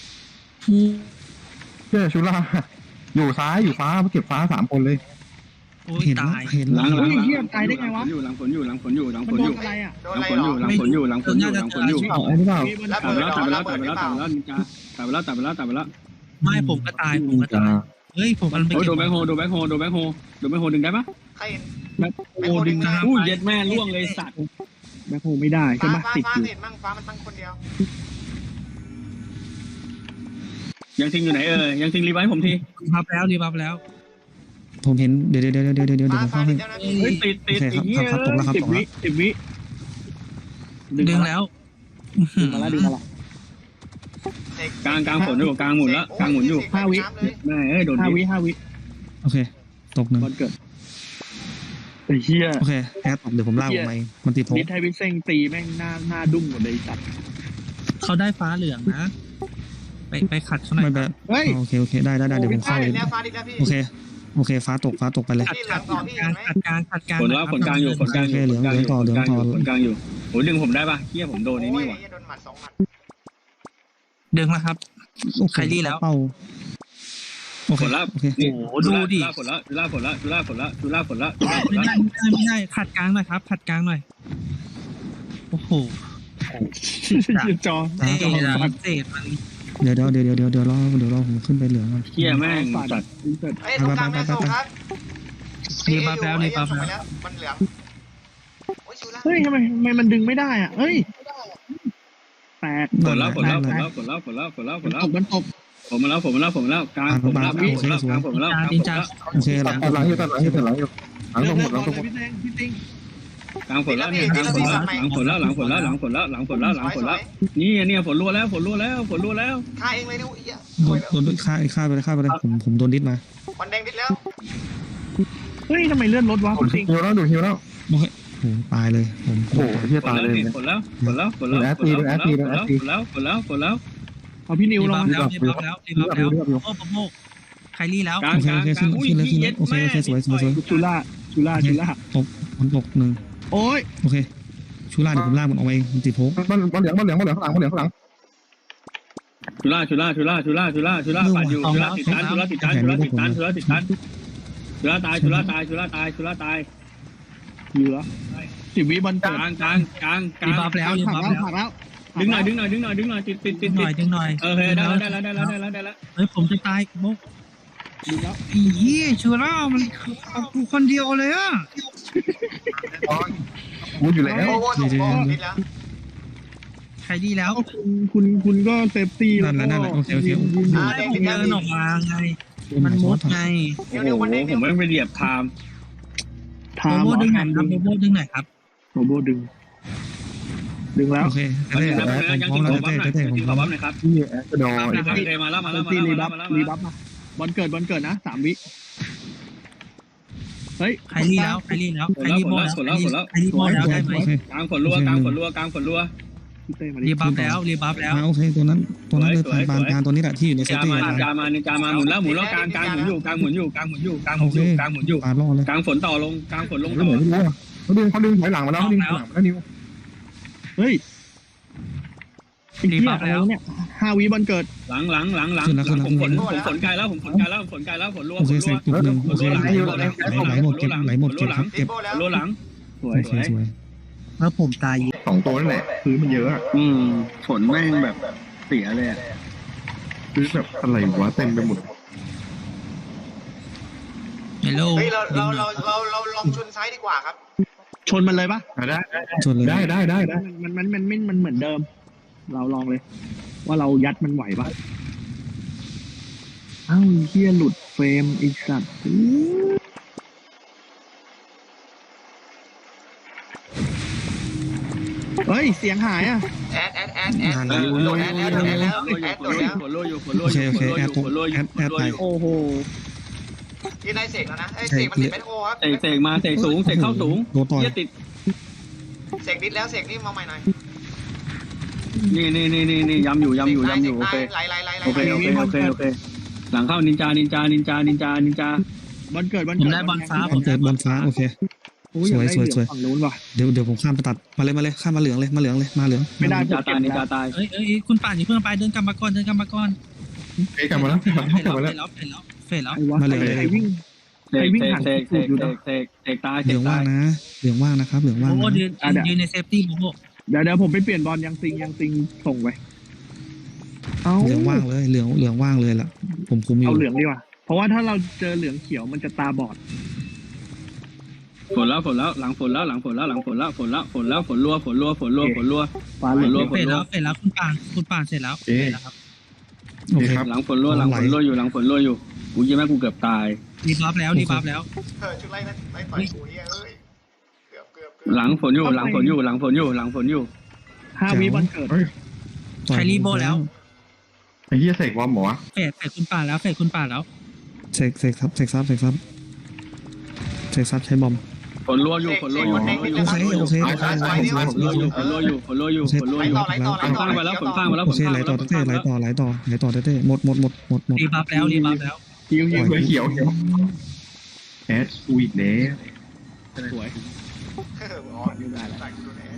[SPEAKER 1] เฮียชูล่าอยู่ซ้ายอยู่ฟ้าเก็บฟ้าสามคนเลย
[SPEAKER 3] โอ้ย
[SPEAKER 5] เห็น
[SPEAKER 3] ตาย
[SPEAKER 5] เห็น
[SPEAKER 6] หลังหลัง
[SPEAKER 2] อยู่หลังฝนอยู่
[SPEAKER 6] หลังฝนอยู่หลังฝ
[SPEAKER 2] มัน
[SPEAKER 6] น
[SPEAKER 2] โด
[SPEAKER 6] อน ยู่
[SPEAKER 2] อะไรอ่ะ
[SPEAKER 4] โดน
[SPEAKER 6] หลั
[SPEAKER 4] อะ
[SPEAKER 6] ง
[SPEAKER 4] ไร
[SPEAKER 6] ฝน
[SPEAKER 4] หร
[SPEAKER 6] อ
[SPEAKER 4] อยู่
[SPEAKER 6] หลังฝนอยู่หลังฝนอยู่หลังฝนอยู่
[SPEAKER 1] เอาไอ้นี่เปล่า
[SPEAKER 4] ระ
[SPEAKER 6] ตั
[SPEAKER 4] เบิ
[SPEAKER 6] ด
[SPEAKER 4] ด
[SPEAKER 6] ไปแล้ว
[SPEAKER 4] เหร
[SPEAKER 6] ตั
[SPEAKER 4] อ
[SPEAKER 6] ดไป
[SPEAKER 4] ระ
[SPEAKER 6] แล้ว
[SPEAKER 4] เบิ
[SPEAKER 6] ตั
[SPEAKER 4] ด
[SPEAKER 6] ด
[SPEAKER 4] ห
[SPEAKER 6] ไป
[SPEAKER 4] รือ
[SPEAKER 6] แล้ว
[SPEAKER 4] เป
[SPEAKER 6] ตัด
[SPEAKER 4] ล่า
[SPEAKER 6] ไปแล้วตัดไปแล้วตัดไปแล้วตัดไปแล้ว
[SPEAKER 3] ไม่ผมก็ตายผมก็
[SPEAKER 1] จ้า
[SPEAKER 3] ตายเฮ้ยผมกำลังไป
[SPEAKER 6] โอ้ย
[SPEAKER 3] เก็
[SPEAKER 6] โด
[SPEAKER 3] บ
[SPEAKER 6] นแบงโฮโดนแบงโฮโดนแบงโฮโดนแบงโฮดึงได้ปะ
[SPEAKER 4] ใครเห็น
[SPEAKER 2] โอ้ดึง
[SPEAKER 6] อู้เย็ดแม่ล่วงเลยสัตว์
[SPEAKER 2] แบ็คโฮไม่ได้ใช่
[SPEAKER 4] ฟ้า
[SPEAKER 2] ไหม
[SPEAKER 4] ฟ้า
[SPEAKER 2] ติด
[SPEAKER 4] ฟ้า
[SPEAKER 2] อยู่
[SPEAKER 4] เห็นมั่งฟ้ามันตั้งคนเดียว
[SPEAKER 6] ยังทิ้งอยู่ไหนเออยังทิ้งรีไว้ผมที
[SPEAKER 3] รีบัฟแล้วรีบัฟแล้ว
[SPEAKER 5] ผมเห็นเดี๋ยวเดี๋ยวเดี๋ยวเดี๋ยวเดี๋ยวเดี๋ยว
[SPEAKER 4] ฟ้า
[SPEAKER 5] ผม
[SPEAKER 4] ฟ้า
[SPEAKER 5] เข้า
[SPEAKER 4] ดิ
[SPEAKER 5] ให้
[SPEAKER 4] ดแล้วนะพี่
[SPEAKER 6] เฮ้ยติดติดอีกเงี้ย
[SPEAKER 5] ตกแล้วครับ
[SPEAKER 2] สิบวิสิบวิ
[SPEAKER 3] ดึงแล้ว
[SPEAKER 2] ดึงมาแล้วดึงมาแล้ว
[SPEAKER 6] กลางกลางฝนอยู่กลางหมุนแล้วกลางหมุนอยู่
[SPEAKER 2] ห้าวิ
[SPEAKER 6] แม่เอ้ยโดน
[SPEAKER 2] ห้า
[SPEAKER 6] ดิ
[SPEAKER 2] วิห้าวิ
[SPEAKER 5] โอเคตกหนึ่ง
[SPEAKER 2] วันเกิดไอ้เหี้ย
[SPEAKER 5] โอเคแอดตกเดี๋ยวผมลากออกมาเองมันติดผม
[SPEAKER 2] นิดไทยวิเซงตีแม่งหน้าหน้าดุ้งหมดเลยจัด
[SPEAKER 3] เขาได้ฟ้าเหลืองนะ ไปไปขัดเขาหน่
[SPEAKER 5] ไม่
[SPEAKER 3] อย
[SPEAKER 5] แบ
[SPEAKER 3] ครับ บ
[SPEAKER 2] เฮ้ย
[SPEAKER 5] โอเคโอเคได้ได้ได้เดี๋ยวผม
[SPEAKER 4] ฟ้า
[SPEAKER 5] เข้า
[SPEAKER 4] ดิ
[SPEAKER 5] เอง
[SPEAKER 4] ดแล้วฟ้าดิดแล้วพี่
[SPEAKER 5] โอเคโอเคฟ้าตกฟ้าตกไปเลย
[SPEAKER 4] นี่เหลืองต่อพี่
[SPEAKER 3] กลา
[SPEAKER 4] เห็
[SPEAKER 3] ง
[SPEAKER 4] นไหม
[SPEAKER 3] ขัดกลางขัดกลาง
[SPEAKER 6] ฝนแล้วฝนกลางอยู่ฝนกลางอยู่ฝนกลางอยู่ฝนกลางอยู่ฝนกลางอยู่โอ้ดึงผมได้ปะเฮียผมโดนนี่
[SPEAKER 4] โอ้
[SPEAKER 6] นี่
[SPEAKER 4] ย
[SPEAKER 6] ว่ะ
[SPEAKER 4] โดนหมัดสองหมัด
[SPEAKER 3] ดึงแล้วครับ ใครรีแล้ว
[SPEAKER 5] เป้าโอเค
[SPEAKER 6] ฝนแล้ว
[SPEAKER 5] โอเค
[SPEAKER 6] นี่
[SPEAKER 3] โอ้โหดูดิ
[SPEAKER 6] ฝนแล้วจุฬาฝนแล้วจุฬาฝนแล้วจุฬาฝนแล้วจุฬาฝน
[SPEAKER 3] ไม่
[SPEAKER 6] แล้ว
[SPEAKER 3] ได้ไม่ได้ไม่ได้ขัดกลางหน่อยครับ ขัดกลางหน่อยโอ้โห
[SPEAKER 2] จอ
[SPEAKER 3] เศษอะเศษมัน
[SPEAKER 5] เดี๋ยวเดี๋ยวเดี๋ยวเดี๋ยวเดี๋ยวรอเดี๋ยวรอผมขึ้นไปเหลืองก่อน
[SPEAKER 6] เฮียแม่ง
[SPEAKER 2] ฝาด
[SPEAKER 6] จัด
[SPEAKER 2] เกิด
[SPEAKER 4] เอ้ยตรงกลางแม่ส่งครับ
[SPEAKER 3] รีบัฟแล้วรีบัฟ
[SPEAKER 4] ส่งไป
[SPEAKER 3] แล้ว
[SPEAKER 4] แล้วมันเหลืองโอ้ยชูล่า
[SPEAKER 2] เฮ้ยทำไมทำไมมันดึงไม่ได้อ่ะเฮ้ยแตก
[SPEAKER 6] ฝนแล้วฝนแล้วฝนแล้วฝนแล้วฝนแล้วฝนแล้วฝนแล้ว
[SPEAKER 2] ตกมันตก
[SPEAKER 6] ผมมาแล้วผมมาแล้วผมมาแล้วกลางผมมาแล้วกลางผมมาแล้วกลางผมมาแล้วกลางผมมาแล้ว
[SPEAKER 5] โอเคหลัง
[SPEAKER 1] ตัดหลังอยู่ตัดหลังอยู่ตัดหลังอยู่หลังตรงหมดหลังตรงหมด
[SPEAKER 2] พี่แดงพี่ติง
[SPEAKER 6] กลางฝนแล้วเนี่ยกลางฝนแล้วหลังฝนแล้วหลังฝนแล้วหลังฝนแล้วหลังฝนแล้วหลังฝนแล้วนี่เนี่ยฝนรัวแล้วฝนรัวแล้วฝนรัวแล้ว
[SPEAKER 4] ฆ่าเองเลยนะอุ้ย
[SPEAKER 5] โดนโดนฆ่าฆ่าไปเลยฆ่าไปเลยผมผมโดนดิสมา
[SPEAKER 4] วันแดงดิดแล้ว
[SPEAKER 2] เฮ้ยทำไมเลื่อนรถวะ
[SPEAKER 1] ดู
[SPEAKER 2] พี่ติง
[SPEAKER 1] ฮิวแล้วดูฮิวแล้ว
[SPEAKER 5] โอเคโหตายเลยผม
[SPEAKER 1] โอ้โหเฮีย
[SPEAKER 6] ฝน
[SPEAKER 1] ตาย
[SPEAKER 6] แล้ว
[SPEAKER 1] เลย
[SPEAKER 6] ฝนแล้วฝนแล้วฝนแล้วฝนแล้วฝนแล้วฝนแล้วฝนแล้ว
[SPEAKER 2] เอาพี่นิว
[SPEAKER 3] รี
[SPEAKER 2] ล
[SPEAKER 3] บั
[SPEAKER 2] ง
[SPEAKER 3] ฟแล้วรีบัฟแล้วรีบัฟแล้วโอ้โหใครรีแล้ว
[SPEAKER 6] กลางกลางกลางอุ้ยเย็ดแม่
[SPEAKER 2] ชูล่าชูล่าชูล่า
[SPEAKER 5] มันตกหนึ่ง
[SPEAKER 2] โอ้ย
[SPEAKER 5] โอเคชูล่าเดี๋ยวผมลากมันออกมาเองมันติดโพก
[SPEAKER 1] มันมันเหลืองมันเหลืองมันเหลืองข้างหลังมันเหลืองข้างหลัง
[SPEAKER 6] ชุล่าชุล่าชุล่าชุล่าชุล่าชุล่าปัดอยู่ชุล่าติดตันชุล่าติดตันชุล่าติดตันชุล่าติดตันชุล่าตายชุล่าตายชุล่าตายชุล่าตาย
[SPEAKER 2] เหลือสิบวิบอล
[SPEAKER 6] ก
[SPEAKER 2] เกิด
[SPEAKER 6] ลางกลางกลางกลา
[SPEAKER 3] รี
[SPEAKER 6] ง
[SPEAKER 3] บัฟแล้วรี
[SPEAKER 2] ผัก
[SPEAKER 3] บัฟ
[SPEAKER 2] แล้ว
[SPEAKER 3] แล้ว
[SPEAKER 2] ผักแล้ว
[SPEAKER 6] ดึงหน่อยดึงหน่อยดึงหน่อยดึงหน่อยติดติด
[SPEAKER 3] ดึ
[SPEAKER 6] ติด
[SPEAKER 3] งห
[SPEAKER 6] ติ
[SPEAKER 3] น่อย
[SPEAKER 6] ด
[SPEAKER 3] ดึงหน่อย
[SPEAKER 6] โอเคได้แล้วได้แล้วได้แล้วได้แล้วได้แล้ว
[SPEAKER 3] เฮ้ยผมจะตายโมก
[SPEAKER 2] ดึงแล้ว
[SPEAKER 3] อีเหี้ยชูร่ามันเอากูคนเดียวเลยอ่ะ
[SPEAKER 1] พูดอยู่แล้ว
[SPEAKER 4] โอ้โหถูกโอ้ผิดแล้ว
[SPEAKER 3] ใครดีแล้ว
[SPEAKER 2] แล้วคุณคุณคุณก็เซฟตี้แล้ว
[SPEAKER 5] นั่นแหละนั่นแหละโอเคโอเค
[SPEAKER 3] ผมเดินออกมาไงมันมุดไง
[SPEAKER 6] โอ้โหผมไม่ไปเหยียบไทม์
[SPEAKER 2] ทา
[SPEAKER 3] โบ
[SPEAKER 2] ม
[SPEAKER 3] โบดึงหน่อยครับโบโบดึงหน่อยครับ
[SPEAKER 2] โรโบดึง ดึงแล้ว
[SPEAKER 5] โอเค
[SPEAKER 6] ยัง
[SPEAKER 5] เต้
[SPEAKER 6] ยัง
[SPEAKER 5] พร้อม
[SPEAKER 6] กิน
[SPEAKER 5] แล้ว
[SPEAKER 6] ขอบัฟหน่อย
[SPEAKER 5] เต้เต้
[SPEAKER 6] ยัง
[SPEAKER 5] ผม
[SPEAKER 6] กิน
[SPEAKER 5] พ
[SPEAKER 6] ข
[SPEAKER 5] ร้
[SPEAKER 6] อ
[SPEAKER 5] อม
[SPEAKER 6] บัฟหน่อยครับ
[SPEAKER 1] ที่แอสดอร์
[SPEAKER 6] มาแล้วมาแล้วมา
[SPEAKER 2] ตี
[SPEAKER 6] แล้ว
[SPEAKER 2] รีบัฟ
[SPEAKER 6] มาแล้ว
[SPEAKER 2] รีบัฟมาบอลเกิดบอลเกิดนะสามวิเฮ้ย
[SPEAKER 3] ใครรีแล้วใครรีแล้วใครรีโบแล้วใครรีโบแล้วได้ไหม
[SPEAKER 5] โอเค
[SPEAKER 6] กลางฝนรัวกลางฝนรัวกลางฝนรัว
[SPEAKER 2] พี่เต้มา
[SPEAKER 3] รี
[SPEAKER 2] ดิ
[SPEAKER 3] บัฟแล้วรีบัฟแล้ว
[SPEAKER 5] อ่าโอเคตัวนั้นตัวนั้นเลย
[SPEAKER 6] สวย
[SPEAKER 5] ปานกลางตัวนี้แหละที่อยู่ในเซฟ
[SPEAKER 6] จา
[SPEAKER 5] ตี้
[SPEAKER 6] มาจามานินจามาหมุนแล้วหมุนแล้วกลางกลางหมุนอยู่กลางหมุนอยู่กลางหมุนอยู่กลางหมุนอยู่กลางหมุนอยู่กลางหมุนอยู่
[SPEAKER 5] ปาล่อเลย
[SPEAKER 6] กลางฝนต่อลงกลางฝนลง
[SPEAKER 1] ไม่
[SPEAKER 6] ต่อ
[SPEAKER 1] เหมือนไม่รู้อะเขาดึงเขาดึงถอยหลังมาแล้วเขาดึงถอยหลังมาแล้วนิว
[SPEAKER 2] เฮ้ยไอ้เหี้ยอะไรวะเนี่ยห้าวิบอลเกิด
[SPEAKER 6] หลังหลังหลังหลังผมฝนผมฝนไกลแล้วผมฝนไกลแล้วผมฝนไกลแล้วฝนรัว
[SPEAKER 5] โอ
[SPEAKER 6] ฝ
[SPEAKER 5] เคน เซ
[SPEAKER 6] รัว
[SPEAKER 5] ฟตุกหนึ่งโอเคไหลไหลหมดเก็บไหลหมดเก็บครับ
[SPEAKER 4] ตี
[SPEAKER 5] เก็บ
[SPEAKER 4] โบแล้ว
[SPEAKER 6] รัวหลัง
[SPEAKER 2] สวย
[SPEAKER 5] โอเคสวย
[SPEAKER 3] แล้วผมตาย
[SPEAKER 1] สองตัวนั่นแหละพื้นมันเยอะอะ
[SPEAKER 6] อืมฝนแม่งแบบเสียเลย
[SPEAKER 1] พื้นแบบอะไรวะเต็มไปหมด
[SPEAKER 3] เฮลโล
[SPEAKER 4] เฮ้ยเราเราเราเราเราลองชนซ้ายดีกว่าครับ
[SPEAKER 2] ชนมันเลยปะ
[SPEAKER 1] อ่ะได้
[SPEAKER 5] ชนเลย
[SPEAKER 1] ได้ได้ได้ได้
[SPEAKER 2] มันมันมันมันมันเหมือนเดิม เราลองเลย ว่าเรายัดมันไหวปะเอ้าเฮียหลุดเฟรมไอีสัตว์เฮ้ยเสียงหายอ่ะ
[SPEAKER 4] แอดแอดแอดแอดโดดแอดแอดโดดแอดแล้วแอดโดดแล้ว
[SPEAKER 6] ฝนรัวอยู่ฝนรัว
[SPEAKER 5] โอ
[SPEAKER 6] อ
[SPEAKER 5] เค
[SPEAKER 6] ยู่
[SPEAKER 5] โอเคแอดตกแอดแอดไป
[SPEAKER 2] โอ้โห
[SPEAKER 4] ที่นายเสกแล้วนะไอ้เสกมันติดแมทโฮครับ
[SPEAKER 6] เสกเสกมาเสกสูงเสกเข้าสูง
[SPEAKER 5] โดนต่อย
[SPEAKER 6] เยี่ยติด
[SPEAKER 4] เสกนิดแล้วเสกนี่มาใหม่หน่อย
[SPEAKER 6] นี่นี่นี่นี่นี่ย้ำอยู่ย้ำอยู่ย้ำอยู่โอเค
[SPEAKER 4] ไหลไหลไหลไหล
[SPEAKER 6] โอเคโอเคโอเคโอเคหลังเข้านินจานินจานินจานินจานินจา
[SPEAKER 2] บอลเกิดบอล
[SPEAKER 3] ผม
[SPEAKER 2] เกิด
[SPEAKER 3] ได้บอลฟ้า
[SPEAKER 5] ผมเกิดบอลฟ้าโอเค
[SPEAKER 2] โอ้ยอยากได้
[SPEAKER 5] สวยสวย
[SPEAKER 2] เหลืองฝั่งนู้นว่ะ
[SPEAKER 5] เดี๋ยวเดี๋ยวผมข้ามไปตัดมาเลยมาเลยข้ามมาเหลืองเลยมาเหลืองเลยมาเหลือง
[SPEAKER 2] ไม่ได้
[SPEAKER 6] นินจาตายนินจาตาย
[SPEAKER 3] เอ้ยเอ้ยคุณป่านอย่าเพิ่งไปเดินกลับมาก่อนเดินกลับมาก่อน
[SPEAKER 1] เอ้ยกลับมาแล้วกลับมา
[SPEAKER 3] เฟ
[SPEAKER 1] แล้ว
[SPEAKER 3] ด
[SPEAKER 1] กลับมา
[SPEAKER 3] แล้
[SPEAKER 1] แล้ว ว
[SPEAKER 3] เฟดแล้วเฟดแล้ว
[SPEAKER 2] ไอ้วะใครวิ่ง
[SPEAKER 6] เสกเสกเสกเสกเสกเสกเสกตาย
[SPEAKER 5] เห
[SPEAKER 6] เส
[SPEAKER 5] ลื
[SPEAKER 6] ก
[SPEAKER 5] อง
[SPEAKER 6] ตา
[SPEAKER 5] ว่าง
[SPEAKER 6] ย
[SPEAKER 5] นะเหลืองว่างนะครับเหลืองว่าง
[SPEAKER 3] โบโบ
[SPEAKER 5] นะ
[SPEAKER 3] ยืนยืนในเซฟตี้โบโบ
[SPEAKER 2] เดี๋ยวเดี๋ยวผมไปเปลี่ยนบอลยังซิงยังซิงส่งไปเอา
[SPEAKER 5] เหลืองว่างเลยเหลืองเหลืองว่างเลยล่ะผมคุมอยู่
[SPEAKER 2] เอาเหลืองดีกว่า เพราะว่าถ้าเราเจอเหลืองเขียวมันจะตาบอด
[SPEAKER 6] ฝนแล้วฝนแล้วหลังฝนแล้วหลังฝนแล้วหลังฝนแล้วฝนแล้วฝนแล้วฝนรัวฝนรัวฝนรัวฝนรัว
[SPEAKER 2] ฟ้าเหลือง
[SPEAKER 6] โล
[SPEAKER 3] เฟดแล้วเฟดแล้วคุณป่านคุณป่านเสร็จแล้วเสร็จแล้วครับ
[SPEAKER 5] โอเค
[SPEAKER 6] หลังฝนรัวหลังฝนรัวอยู่หลังฝนรัวอยู่กูยังแม่กูเกือบตาย
[SPEAKER 3] รีบัฟแล้วรีบัฟแล้ว
[SPEAKER 4] เออชุดไล่นั่นไล่ต่อยกูเฮ้ยเอ้ยเกือบเกือบเกือบ
[SPEAKER 6] หลังฝนอยู่หลังฝนอยู่หลังฝนอยู่หลังฝนอยู่
[SPEAKER 2] ห้าวิบอลเกิด
[SPEAKER 3] ใครรีโบแล้ว
[SPEAKER 1] ไอ้เหี้ยเสกวอมหมอวะ
[SPEAKER 3] เฟดเฟดคุณป่านแล้วเฟดคุณป่านแล้ว
[SPEAKER 5] เสกเสกซับเสกซับเสกซับเสกซับใช้บอม
[SPEAKER 6] ฝนรัวอยู่ฝนรัวอยู่ฝนรัวอยู่
[SPEAKER 5] โอเคโอเค
[SPEAKER 4] เอาซ้ายซ้ายนี่วะ
[SPEAKER 6] ฝนรัวอยู่ฝนรัวอยู่ฝนรัวอยู่ฝนรัว
[SPEAKER 4] ไหล
[SPEAKER 6] อยู่
[SPEAKER 4] ต่อไหลต่อไหล
[SPEAKER 6] ฝน
[SPEAKER 4] ต่อ
[SPEAKER 6] ข้างไปแล้วฝนข้างไปแล้ว
[SPEAKER 5] โอ
[SPEAKER 6] ฝน
[SPEAKER 5] เค
[SPEAKER 6] ข้าง
[SPEAKER 5] ไหล
[SPEAKER 6] ไป
[SPEAKER 5] ต่อ
[SPEAKER 6] แล้ว
[SPEAKER 5] เต้ไหลต่อไหลต่อไหลต่อเต้หมดหมดหมดหมดหมด
[SPEAKER 3] รีบัฟแล้วรีบัฟแล้ว
[SPEAKER 2] ฮิวฮิว
[SPEAKER 1] เขียวเขียวแอดกูอีกแล้ว
[SPEAKER 2] สวย
[SPEAKER 4] เอออ๋อใส่กูโดนแอด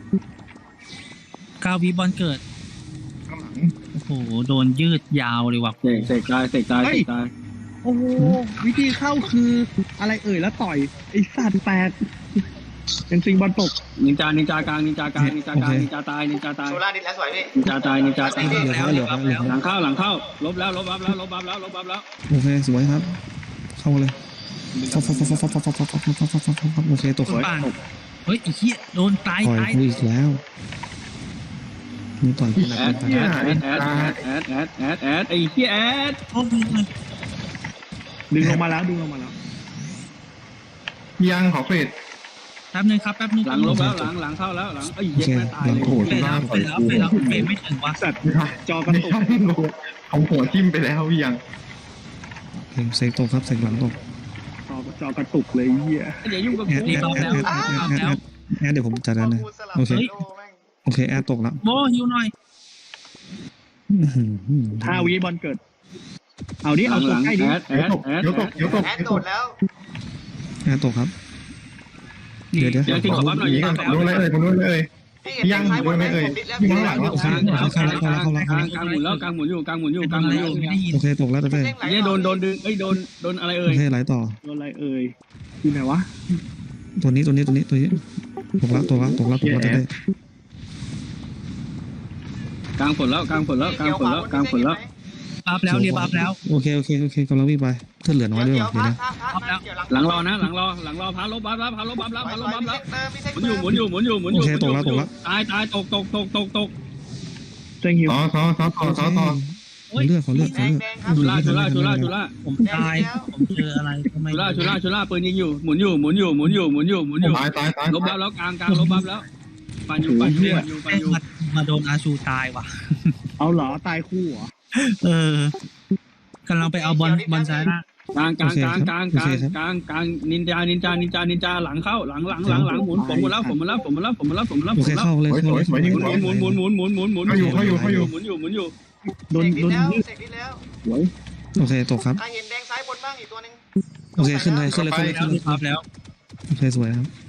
[SPEAKER 3] เก้าวิบอลเกิด
[SPEAKER 1] ข้างหลัง
[SPEAKER 3] โอ้โหโดนยืดยาวเลยว่ะ
[SPEAKER 6] เสกเสกตายเสกตายเสกตาย
[SPEAKER 2] โอ้โหวิธีเข้าคืออะไรเอ่ยแล้วต่อยไอ้สัตว์แตกเป็นซิงบอลตก
[SPEAKER 6] นินจานินจากลางนินจากลางนินจากลางนินจาตายนินจาตาย
[SPEAKER 4] โซล่าดิสแล้วสวยพี่
[SPEAKER 6] นินจาตายนินจาตาย
[SPEAKER 5] เหลืองแล้วเหลืองแล้วเหลือง
[SPEAKER 6] ห
[SPEAKER 5] แล้ว
[SPEAKER 6] ลังเข้าหลังเข้าลบแล้วลบบัฟแล้วลบบัฟแล้วลบบัฟแล้ว
[SPEAKER 5] โอเคสวยครับ เข้ามาเลยฟอบฟอบฟอบฟอบฟอบฟอบฟอบฟอบฟอบฟอบฟอบฟอบโอเคตก
[SPEAKER 3] คุณป่านเฮ้ยไอ้เหี้ยโดนตาย
[SPEAKER 5] ต่อย
[SPEAKER 3] ตาย
[SPEAKER 5] กูอีกแล้วนี่ต่อยกูหนัก
[SPEAKER 6] แอด
[SPEAKER 5] ไป
[SPEAKER 6] แอดแอดแอดแอดแอดแอดแอดไอ้เหี้ยแอด
[SPEAKER 3] โอ้ยเลย
[SPEAKER 2] ดึงลงมาแล้วดึงลงมาแล้ว
[SPEAKER 1] ยังขอเฟด
[SPEAKER 3] แป๊บนึงครับแป๊บนึง
[SPEAKER 6] หลังลบแล้วหลังหลังเข้าแล้วหลังไอ้
[SPEAKER 5] โอ
[SPEAKER 6] เหี้ย
[SPEAKER 5] เค
[SPEAKER 6] แม่ตาย
[SPEAKER 5] หลัง
[SPEAKER 6] เลย
[SPEAKER 1] โอ้โห
[SPEAKER 3] เฟ
[SPEAKER 1] ตุ
[SPEAKER 3] ดแล้
[SPEAKER 1] ล่าว
[SPEAKER 3] เฟ
[SPEAKER 1] ต่อย
[SPEAKER 3] ดแล้ว
[SPEAKER 1] กู
[SPEAKER 3] เฟดแล้วเฟดไม่ถึงว่ะ
[SPEAKER 2] สัตว์จอกระ
[SPEAKER 1] ไม่
[SPEAKER 2] ตุก
[SPEAKER 1] ใช่โง่เอาหัวทิ่มไปแล้วพี่ยัง
[SPEAKER 5] เสกตกครับเสกหลังตก
[SPEAKER 2] จอจอกระตุกเลยเหี้ย
[SPEAKER 6] อย่ายุ่งกับ
[SPEAKER 5] แอ
[SPEAKER 6] กู
[SPEAKER 5] ดแอดแอดแอดแอดแอดแอดแอดเดี๋ยวผมจัดการเลย
[SPEAKER 4] กูสลับ
[SPEAKER 5] โอเค
[SPEAKER 4] โลแม่ง
[SPEAKER 5] โอเคแอดตกแล้ว
[SPEAKER 3] โบฮิวหน่อย
[SPEAKER 2] ห้าวิบอลเกิด เอาดิ
[SPEAKER 6] หลั
[SPEAKER 2] เอา
[SPEAKER 6] ง
[SPEAKER 2] ตั
[SPEAKER 6] ห
[SPEAKER 2] ว
[SPEAKER 6] ลัง
[SPEAKER 2] ใกล้
[SPEAKER 6] แอ
[SPEAKER 2] ดิ
[SPEAKER 6] ดแอ
[SPEAKER 1] เดี๋ยว
[SPEAKER 6] ด
[SPEAKER 1] ตก
[SPEAKER 6] แอ
[SPEAKER 1] เดี๋ยว
[SPEAKER 6] ด
[SPEAKER 1] ตกเดี๋ยวตก
[SPEAKER 4] แอดโดดแล้ว
[SPEAKER 5] แอดตกครับเดี๋ยวเดี๋ยว
[SPEAKER 6] เดี๋ยวที่ขอบัฟหน่อย
[SPEAKER 1] หนี
[SPEAKER 6] ยิง
[SPEAKER 1] กัน
[SPEAKER 6] แล้
[SPEAKER 1] ผมโดนเลยผมโดนเลย
[SPEAKER 4] พี่เห็นแดงซ้ายบนไหมผมดิดแล้วพี่
[SPEAKER 6] กลางกลางกลางกลางกลางหมุนแล้วกลางหมุนอยู่กลางหมุนอยู่กลางหมุนอยู่
[SPEAKER 3] ไม่ได้ยิน
[SPEAKER 5] โอเคตกแล้วเต้เต้
[SPEAKER 6] เนี่ยโดนโดนดึงเอ้ยโดนโดนอะไร
[SPEAKER 5] โอ
[SPEAKER 6] เอ่ย
[SPEAKER 5] เคไหลต่อ
[SPEAKER 2] โดนอะไรเอ่ยอยู่ไหนวะ
[SPEAKER 5] ตัวนี้ตัวนี้ตัวนี้ตัวนี้ตกแล้วตกแล้วตกแล้วตกแล้วเต้เต้
[SPEAKER 6] กลางฝนแล้วกลางฝนแล้วกลางฝนแล้วกลางฝนแล้ว
[SPEAKER 3] บัฟแล้วเรียบัฟแล้ว
[SPEAKER 5] โอเคโอเคโอเคกำลังวิ่งไปเพื่อนเหลือน้อยด้วย
[SPEAKER 4] เดี๋ยว
[SPEAKER 5] ว่ะเดี๋ยว
[SPEAKER 4] พระ
[SPEAKER 5] นะ
[SPEAKER 4] พระพระเกี่ยว
[SPEAKER 6] หลังรอนะหลังรอหลังรอพาลบบัฟแล้วพาลบบัฟแล้วพาลบบัฟแล้วพาลบบัฟแล้วหมุนอยู่หมุนอยู่หมุนอยู่หมุนอยู่ตายตายตกตกตกตกตก
[SPEAKER 2] เจงหิว
[SPEAKER 1] ต่อต่อต่อต่อต่อต่อ
[SPEAKER 5] ขอเลือดขอเลือดข
[SPEAKER 4] แด
[SPEAKER 5] อง เลือด
[SPEAKER 4] แดงครับ
[SPEAKER 6] ชุล่าชุล่าชุล่าชุล่า
[SPEAKER 3] ผมตายผมเจออะไรทำไม
[SPEAKER 6] ชุล่าชุล่าชุล่าปืนยิงอยู่หมุนอยู่หมุนอยู่หมุนอยู่หมุนอยู่หมุนอยู่
[SPEAKER 1] ตายตายตาย
[SPEAKER 6] ลบบัฟแล้วกลางกลางลบบัฟแล้วปันอยู่ปันอยู่ปันอยู่ปันอยู่
[SPEAKER 3] มามาโดนอาชูตายว่ะ
[SPEAKER 2] เอาเหรอตายคู่เหรอ
[SPEAKER 3] เออกำลังไปเอาบอลบอลซ้ายล่าง
[SPEAKER 6] กลางกลางกลางกลางกลางกลางกลางนินจานินจานินจานินจาหลังเข้าหลังหลังหลังหลังหมุนผมหมดแล้วผมหมดแล้วผมหมดแล้วผมหมดแล้วผมหมดแล้ว
[SPEAKER 5] โอ
[SPEAKER 6] ผมห
[SPEAKER 5] เค
[SPEAKER 6] มดแล้ว
[SPEAKER 5] เข้าเลย
[SPEAKER 1] สวย
[SPEAKER 5] เข้า
[SPEAKER 1] ส
[SPEAKER 5] เล
[SPEAKER 1] วย
[SPEAKER 5] ย
[SPEAKER 1] สวยยิง
[SPEAKER 6] หมุ
[SPEAKER 1] สวย
[SPEAKER 6] นหมุนหมุนหมุนหมุนหมุนหมุนหมุน
[SPEAKER 1] เขาอยู่เขาอยู่เขาอยู่
[SPEAKER 6] หมุนอยู่หมุนอยู่
[SPEAKER 2] โดน
[SPEAKER 4] เสก
[SPEAKER 2] โด
[SPEAKER 4] ดิ
[SPEAKER 2] น
[SPEAKER 4] แล้ว
[SPEAKER 2] ยึด
[SPEAKER 4] เสกดิแล้ว
[SPEAKER 2] หวย
[SPEAKER 5] โอเคตกครับ
[SPEAKER 4] ใครเห็นแดงซ้ายบนบ้างอีกตัวหนึ่ง
[SPEAKER 5] โอเคขึ้นเลยขึ้นเลยขึ้นเลยขึ้นเลย
[SPEAKER 3] บัฟแล้ว
[SPEAKER 5] โอเคสวยครับ